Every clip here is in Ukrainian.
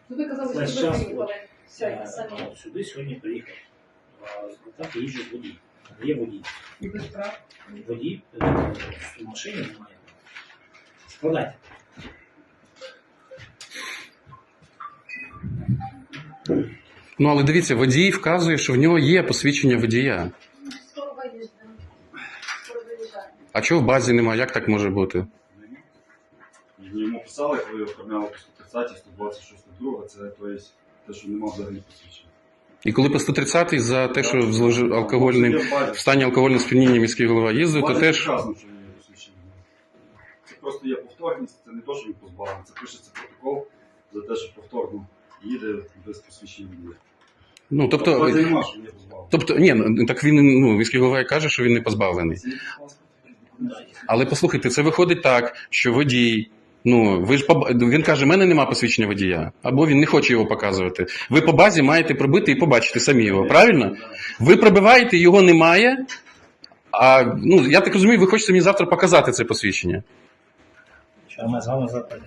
Ви казали, Весь що ви час приїхали сьогодні самі. сюди сьогодні приїхав. Так їжджу водій. Є водій. І без прав. Водій в машині немає. Складайте. Ну, але дивіться, водій вказує, що в нього є посвідчення водія. Скоро виїздимо. Скоро виїжджаємо. А чого в базі немає? Як так може бути? Йому писали, коли оформляли по 130, 126, друга, це те, що немає взагалі посвідчення. І коли по 130 за те, що зложив алкогольним, в стані алкогольного сп'яніння міський голова їздив, то теж... Вказано, що є посвідчення. Це просто є повторність, це не те, що він позбавлений, це пишеться протокол за те, що повторно їде без посвідчення водія. Ну, тобто... Це нема, що є позбавлений. Тобто, ні, так він, міський голова і каже, що він не позбавлений. Це є паспорт. Але послухайте, це виходить так, що водій, ви ж він каже, в мене нема посвідчення водія, або він не хоче його показувати. Ви по базі маєте пробити і побачити самі його, правильно? Ви пробиваєте, його немає, а, я так розумію, ви хочете мені завтра показати це посвідчення. Що ми з вами завтра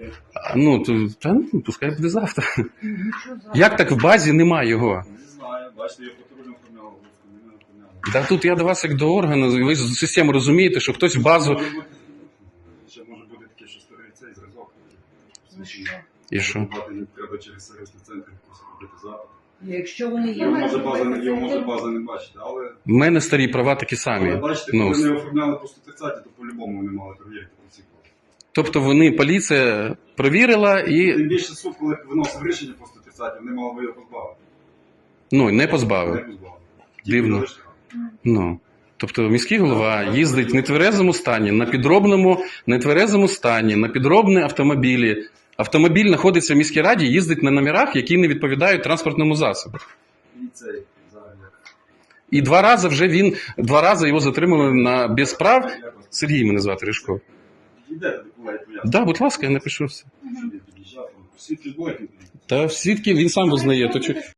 Пускай буде завтра. Як так в базі немає його? Не знаю, бачите, я патрульно оформляв, не оформляв. Да тут я до вас як до органу, ви з системи розумієте, що хтось в базу... Ще може бути таке, що старий цей зразок. Ну що? І що? Не треба через сервісний центр робити запит. Якщо вони є, Його може база не бачити, але... В мене старі права такі Але самі. бачите, коли не оформляли по 130, то по-любому вони мали перевірити по всіх. Тобто поліція провірила і Тим більше суд, коли виносив рішення по 130, вони мали би його позбавити. не Не позбавив. позбавили. Дивно. Тільки залишили. Тобто міський голова їздить в нетверезому стані, на підробному нетверезому стані, на підробні автомобілі. Автомобіль знаходиться в міській раді, їздить на номерах, які не відповідають транспортному засобу. І цей зараз як. І два рази його затримали на без прав. Сергій мене звати Ришко. Йдете, коли я поясню. Да, будь ласка, я напишу все. Що він під'їжджав, свідки зборки. Та свідки він сам визнає. То